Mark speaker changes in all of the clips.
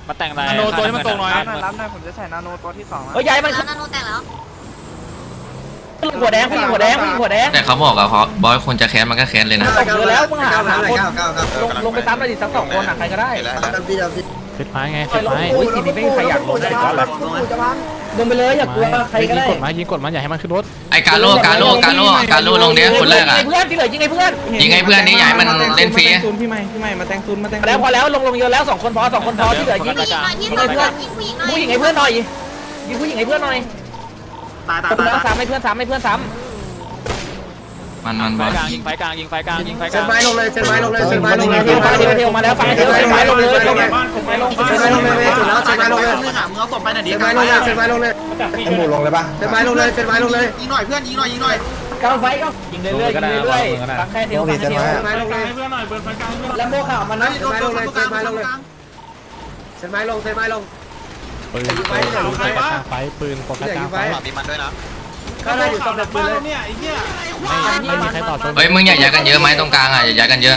Speaker 1: มาแต่งอะไร
Speaker 2: นาโนตัวที่มันตรงหน่อย
Speaker 3: รับหน่อยผมจะใส่นาโนตัวที่2
Speaker 4: เฮ้ยย้ายมัน
Speaker 5: แล้วนาโนแตกแล้ว
Speaker 4: หัวแดงผู้หญิงหัวแดงผู้หญิงหัวแดง
Speaker 6: แต่เขาบอกอะเพราะบอยคนจะแค้นมันก็แค้นเลยนะ
Speaker 4: ตกเยอะแล้วมึงหาคนลงไปซ้ำเลยดิสัก2 คนอ่ะใครก็ได้
Speaker 1: เซตไม้ไงเซตไม้
Speaker 4: โอ้ยทีนี้ไม่มีใครอยากลงเลยก็เลยลงไปเลยอย่ากลัวใครก็ได้
Speaker 1: ยิงกดไม้ยิงกดไม้อย่าให้มันขึ้นรถ
Speaker 6: ไอ้กาโร่ลงเนี้ยคนแรกอะ
Speaker 4: ยิงเพื่อนที่เหลือยิงไอ้เพื่อน
Speaker 6: ยิงให้เพื่อนนี่ใหญ่มันเล่นฟรี
Speaker 3: พี่ใหม่มาแต่งซูนมาแต่ง
Speaker 4: แล้วพอแล้วลงเยอะแล้ว2 คนพอ2 คนพอที่เหลือยิง
Speaker 5: ผู้หญิงหน่อยที่
Speaker 4: ยิง
Speaker 5: สอ
Speaker 4: ไอ้
Speaker 5: ง
Speaker 4: เพื่อน
Speaker 5: ยิงผู้หญิงหน่อย
Speaker 4: ผู้หญิงไอ้เพื่อนหน่อยยิงผู้หญิงไอ้เพื่อนหน่อย
Speaker 3: ตาย
Speaker 4: ซ้ำให้เพื่อนซ้ำให้เพื่อนซ้ำ
Speaker 6: มันบ
Speaker 1: ไฟ
Speaker 6: อย
Speaker 1: กลางยิงไฟกลางยิงไฟกลางยิงไฟก
Speaker 3: เซ
Speaker 1: ลาง
Speaker 3: นไม้ลงเลยเซนไม้ลงเลยเซนไม้ลงเลย
Speaker 4: เทลมาแล้วไฟเทลมาลงเลยเทลมาลง
Speaker 3: เซนไม้ลงเลยจุดแล้วเซนไม้ลงเลย
Speaker 2: มึงเอาศพไปหน่อยดิ
Speaker 3: เซนไม้ลงเลยเซนไม้ลงเลยไอ้หมูลงเลยป่ะเซนไม้ลงเลยเซนไม้ลงเลย
Speaker 2: ยิงหน่อยเพื่อนยิงหน่อย
Speaker 4: กำไฟก็ยิงเรื่อยฟังแค่เทลฟังแค่เทล
Speaker 3: เซนไม้ลงเลย
Speaker 2: เพื่อนหน่อยเบิร์นไฟกลาง
Speaker 4: แล้วโม่ข่าวมันนะ
Speaker 3: เซนไม้ลงเลยเซนไม้ลงเลยเซนไม้ลงเซนไม้ลง
Speaker 1: ปืนไฟปืนโฟกัสกลางไฟ
Speaker 2: มีมันด้วยนะ
Speaker 3: ก็ได้อยู่ตรงแบบปืนเลย
Speaker 2: เนี่ยไอ้เหี้ย
Speaker 1: ไม่มีใครต่อจน
Speaker 6: เฮ้ยมึงอย่าย้ายกันเยอะไหมตรงกลางอะอย่าย้ายกันเยอะ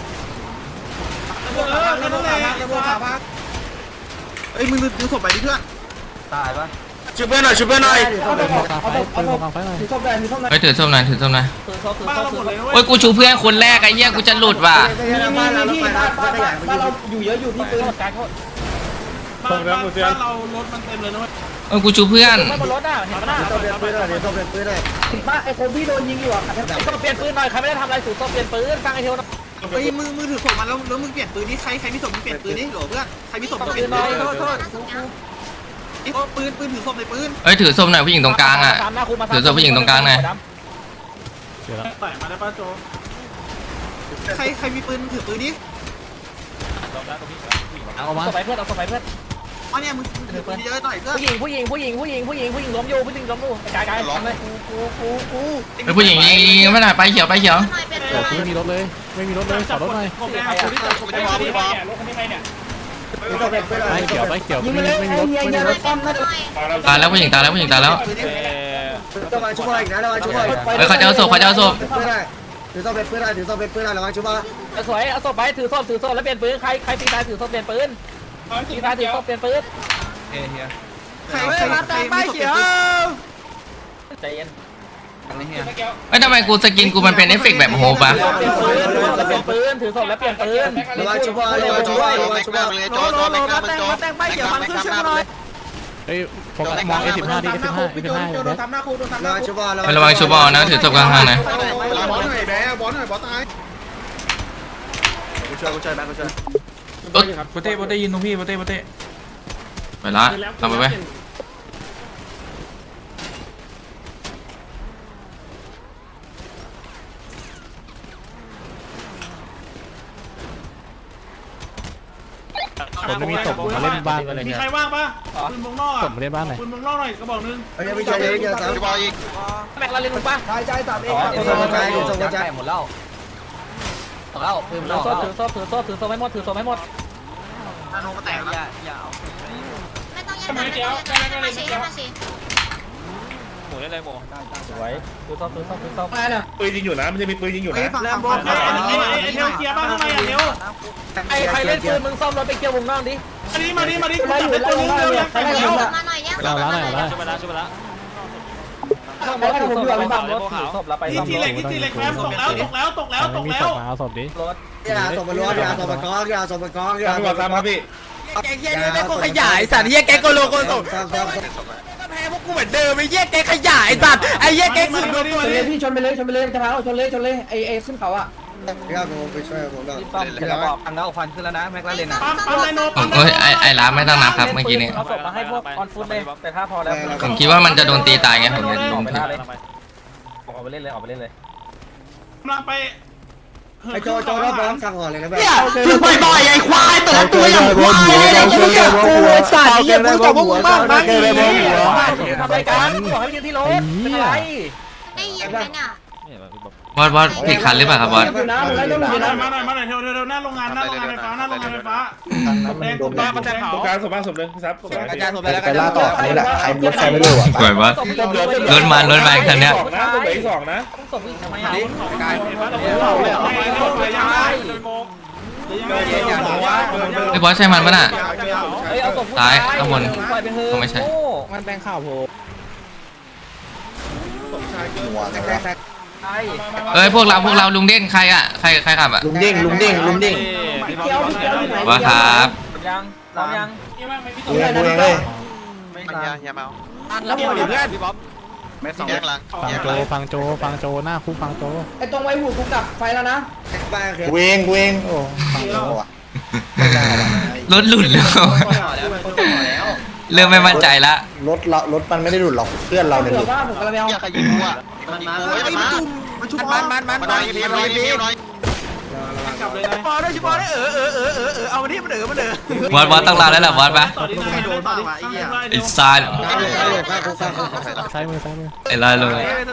Speaker 2: แค่นั้นแหละเอ้ยมึงดูศพไปดิเพื่อน
Speaker 3: ตายป่ะ
Speaker 2: ช่วยเพื่อนหน่อยช่วยเพื่อนหน่อย
Speaker 1: กลางไฟปืนกลางไฟหน่อย
Speaker 4: ถือศพได้ถือศพได้
Speaker 6: เฮ้ยถือส้มหน่อย
Speaker 2: บ้านเราหมดเลยนะ
Speaker 6: โอ้ยกูชูเพื่อนคนแรกไอ้เหี้ยกูจะหลุดว่ะ
Speaker 3: บ้านเราไปบ้านใหญ่
Speaker 4: บ้านเราอยู่เยอะอยู่ที่ปืนการเขา
Speaker 2: บ้านเรารถมันเต็มเลยนะเว้ย
Speaker 6: เออกูชูเพื่อน
Speaker 4: ไม่บนรถอ่ะเห็นไหมน่ะ
Speaker 3: ต้องเปลี่ยนปืนหน่อยต้องเปลี่ยนปืนหน่อย
Speaker 4: บ้าไอ้คนที่โดนยิงอยู่อ่ะต้องเปลี่ยนปืนหน่อยใครไม่ได้ทำอะไรสูตรต้องเปลี่ยนปืนฟังไอ้เทล
Speaker 2: เฮ้ยมือถือศพมันแล้วมึงเปลี่ยนปืนนี่ใครมีศพมึงเปลี่ยนปืนนี่โหลเพื่อนใครมีศพมึงเปลี่ยนปืนปืนถือศพในปืน
Speaker 6: เอ้ยถือส้มหน่อยผู้หญิงตรงกลางอะถือส้มผู้หญิงตรงกลางหน่อย
Speaker 1: เดี๋ยวแล้ว
Speaker 2: ใส่มาได้ป้าโจใครมีปืนถือปืนนี่
Speaker 1: เอามา
Speaker 4: เอาสบายเพื่อนเอาสบายเพื่อน
Speaker 2: อ๋อเนี่ยมึงถือปืนเยอะหน่อยเพื่อน
Speaker 4: ผู้หญิงล้มอยู่ผู้หญิงล้มอยู่กายทำเลย
Speaker 6: เฮ้ยผู้หญิงยิงไม่ได้ไปเขียว
Speaker 5: หน่อยเป็น
Speaker 1: โอ้ไม่มีรถเลยไม่มีรถเลยขอรถหน่อย
Speaker 2: ผมแดงคนที่จับผมแดงคนที่บอล
Speaker 3: ต้องเปลี่ยนปืนหน่อย
Speaker 1: ไปเขียวไม่มีรถไม่มีรถ
Speaker 6: ตายแล้วผู้หญิงตายแล้ว
Speaker 3: ต้องมาช่วยอีกนะระวังช่วย
Speaker 6: เฮ้ยเขาจะเอาศพ
Speaker 3: ปืนได้ถือต้องเป็นปืนได้ถือต้องเป็นปืนได้ระวังช่วย
Speaker 4: สวยเอาศพไปถือศพแล้วเปลี่ยนปืนใครตีตายถือศพเปลี่ยนปืนตีตายถือศพเปลี่ยนปืน
Speaker 2: ใครมาแต่งป้ายเขียว
Speaker 4: ใจเย็น
Speaker 6: เฮ้ยทำไมกูสกินกูมันเป็นเอฟเฟกต์แบบโฮปะ
Speaker 4: เปลี่ยนปืนถือศพแล้วเปลี่ยนปืน
Speaker 3: ระวังช่วยระวังช่วยระวังช่วย
Speaker 2: มาแต่งป้ายเขียวฟังขึ้นช่วยหน่อย
Speaker 1: เฮ้ยโฟกัสมอง A15 ดิ A15 A15
Speaker 2: โดนทำหน้าครูโดนทำห
Speaker 3: ระ
Speaker 2: น้า
Speaker 3: วัง
Speaker 2: ครู
Speaker 3: ช่วย
Speaker 6: ระวังชูบอลนะถือศพกลางทางนะ
Speaker 2: บอลหน่อยแบ๊บอลหน่อยบอลตาย
Speaker 3: กูช่วยแบงค์กูช่วย
Speaker 7: โปเต้ยินตรงพี่โปเต้
Speaker 6: ไปละทำไป
Speaker 1: ผมไม่มีศพมาเล่นบ้านอะไร
Speaker 2: มี
Speaker 1: เงี้ย
Speaker 2: ใครว่างปะปืนมงนอก
Speaker 1: ผมมาเล่นบ้านไหน
Speaker 2: ปืนมงนอกหน่อยกระบอกนึง
Speaker 3: เฮ้ยไม่ใช่เลยเกี่ยวกับ
Speaker 4: แม็กเราเล่นมึงป่ะ
Speaker 3: ใช่3เองส่งกระจายส่งกระจาย
Speaker 4: หมดแล้วปืนถือศพให้หมดถือศพให้หมด
Speaker 2: นาโนมาแตกแล้ว
Speaker 5: ไม่ต้องแย่งกันมาชี้
Speaker 1: หมูได้เลยหมู
Speaker 4: สวยถือศพ
Speaker 8: ปืนยิงอยู่นะมันจะมีปืนยิงอยู่นะ
Speaker 2: ฝั่งบอลไอ้เทลเคลียร์บ้างทำไมอ่ะเทล
Speaker 4: ใครเล่นปืนมึงซ่อมรถไปเกี่ยววงนอกดิ
Speaker 2: มาดิกูจับได้ตัวนึงเร็วยังใคร
Speaker 5: แย่
Speaker 2: เร็
Speaker 5: ง
Speaker 2: ว
Speaker 5: มาหน่อยแย่ง
Speaker 1: เราแล้ว
Speaker 5: มาหน่อย
Speaker 1: ช่วยไปแล้ว
Speaker 4: ซ่อมรถถือศพไปซ่อมรถถือศพแล้วไปซ่อม
Speaker 2: ที
Speaker 4: ร
Speaker 2: เล็
Speaker 4: ถ
Speaker 2: กทีเล็กแคมตกแล้ว
Speaker 1: ไม่มีศพมาเอาศพดิ
Speaker 4: รถ
Speaker 3: อย่าส่งไปล้วนอย่าส่งไปกองอย่าส่งไปกองอย่า
Speaker 8: ตำรวจตามมาพี่
Speaker 2: แกเฮียนี่แม่กูขยายสัตว์เฮียแกโกโลโกโต
Speaker 3: ซ้ำ
Speaker 2: แพ้พวกกูเหมือนเดิมไอ้เฮียแกขยายสัตว์ไอ้เฮียแกสุด
Speaker 4: พี่ชนไปเลยจะพาชนเลยไอ้ขึ้นเขาอ่ะ
Speaker 3: อย่าผมไปช่วยผมหน่อย
Speaker 4: ซ่อมกระบอกอังแล้วฟันขึ้นแล้วนะแม็กลาเรนอ่ะ
Speaker 2: ปั๊มไดโน
Speaker 6: เฮ้ยไอ้ร้านไม่ต้องนับครับเมื่อกี้นี้
Speaker 4: เอาศพมาให้พวกออนฟุตเลยแต่ถ้าพอแล้ว
Speaker 6: ผมคิดว่ามันจะโดนตีตายไงผมเลยลงผิด
Speaker 4: ออกไปเล่นเลย
Speaker 2: กำลังไป
Speaker 3: ไอ้โจรอบน้องสั่งห่อเลยนะแบบ
Speaker 2: ฝึกบ่อยๆไอ้ควายแต่ละตัวอย่างควายเลยเนี่ยกูจับกูไอ้สัตว์เฮียกูจับพวกมึงบ้างมั้ง
Speaker 4: ทำรายการบอกให้ยืนที่รถเป็นไร
Speaker 5: ได้ยินไหมเนี่ย
Speaker 6: บอสผิดคันหรือเปล่าครับบอส
Speaker 4: อยู่นะมึงไล่ต้นอยู่นะ
Speaker 2: มาหน่อยเร็วหน้าโรงงานไฟฟ้าแดงกูแดงมาแต่เผา
Speaker 8: ตรงกลางศพบ้างศพนึงซับ
Speaker 2: กระจายศพไปแล้ว
Speaker 3: ไปล่าต่ออันนี้แหละใครรถใครไม่รู้อ่ะ
Speaker 6: สวยบอสรถมาคันเนี้ย
Speaker 8: นะตัวเหลืออีก2นะ
Speaker 4: ศพอีกทำไมอ่ะ
Speaker 2: กาย
Speaker 4: เห
Speaker 6: ไอ้บอสใช่มันปะน่ะ
Speaker 4: เฮ้ยเอาศพผู้
Speaker 6: ซ้ายข้างบน
Speaker 4: ปล่อยไปเถอะ
Speaker 6: ไม่ใช่
Speaker 4: โง่
Speaker 2: มันแบงข่าวโผล่
Speaker 4: ใช่
Speaker 6: เอ้ยพวกเราลุงเด่นใครอ่ะใครขับอ่ะ
Speaker 2: ลุงเด้ง
Speaker 4: พี่เกียวอยู่ไหน
Speaker 6: ว่าครับ
Speaker 4: ยังพร้อมยัง
Speaker 2: กูเองเลย
Speaker 4: แล้วหมดเพื่อน
Speaker 1: ฟังโจหน้าคุกฟังโจ
Speaker 4: ไอ้ตรงไว้หูกูกลับไฟแล้วนะ
Speaker 2: กูเองโอ้ฟังโง่อะ
Speaker 6: รถหลุดแล้วเริ่มไม่มั่นใจละ
Speaker 2: รถมันไม่ได้หลุดหรอกเพื่อนเราเนี่ยห
Speaker 4: เผื่
Speaker 2: ลุ
Speaker 4: อ
Speaker 2: ด
Speaker 4: ว่าผมกำลังเอา
Speaker 6: บอสต้องลาแล้วแหละบอสปะไอ้ซาน
Speaker 1: ซ้ายมือ
Speaker 6: ไอ้ลายเลย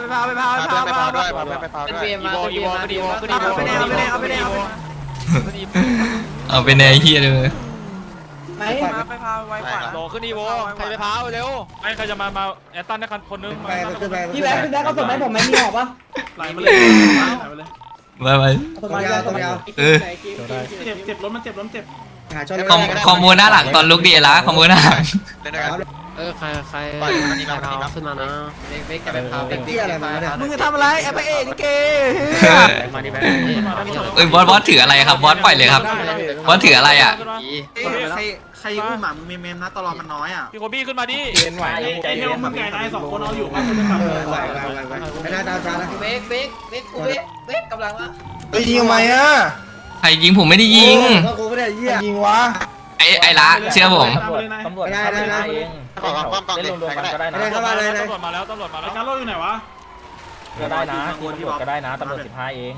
Speaker 6: เอาไปในเฮียเลย
Speaker 4: ไหน
Speaker 7: โหลขึ้นอีโวใครไปพาเร็วไอ้ใครจะมาแอตตันได้คนนึง
Speaker 4: พี่แบ๊กเอาศพไหมผมไม่มีหอบปะ
Speaker 7: ไหลมาเลย
Speaker 6: ไป
Speaker 4: ศพมาเอาศพมาเอา
Speaker 6: เออ
Speaker 1: โจได้
Speaker 7: เจ็บรถมันเจ็บรถเจ็บ
Speaker 6: คอมโบหน้าหลังตอนลุกดีละคอมโบหน้าหลัง
Speaker 1: ใครขึ้นมานะ
Speaker 4: เบ๊กจะไปพา
Speaker 2: เป็นที่อะไรมาเนี่ย
Speaker 3: มึงจะทำอะไรไอ้พระเอกลิเก
Speaker 1: มาดิแบง
Speaker 6: เอ้ยบอสถืออะไรครับบอสปล่อยเลยครับบอสถืออะไรอ่ะ
Speaker 3: ใครอุ้มหมามึงเมมนะตลอดมันน้อยอ่ะ
Speaker 7: พี่โคบี้ขึ้นมาดิ
Speaker 4: เป็นไหว
Speaker 7: ไอ้เทลมึงไก่นาย2คนเอาอยู่มา
Speaker 2: ไม่น่าดาวจ้านะ
Speaker 4: เบ๊กกำลังว่า
Speaker 2: เฮ้ยยิงทำไมอ่ะ
Speaker 6: ใครยิงผมไม่ได้ยิง
Speaker 2: ก็กูไม่ได้ยิงวะ
Speaker 6: ไอ้ละเชื่อผม
Speaker 4: ตำรวจเองเล่นรวมๆกันก็ได้นะ
Speaker 2: เข้ามาเลย
Speaker 7: ตำรวจมาแล้วการโล่อยู่ไหนวะ
Speaker 4: ก็ได้นะตำรวจก็ได้นะตำรวจ15เอง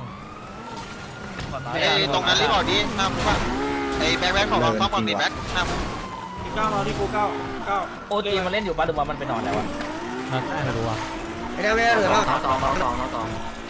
Speaker 9: ตรงนั้นรีบออกดิหน้ามุกอะไอ้แบ็คของเราต้องมองดิแบ็คหน้ามุก
Speaker 7: 9รอที่กู9
Speaker 4: โอจีมันเล่นอยู่บ้านหรือว่ามันไปนอนแล้วอะ
Speaker 1: ไม่รู้อ่ะ
Speaker 2: ไม่ได้เหลือหรอก
Speaker 3: 2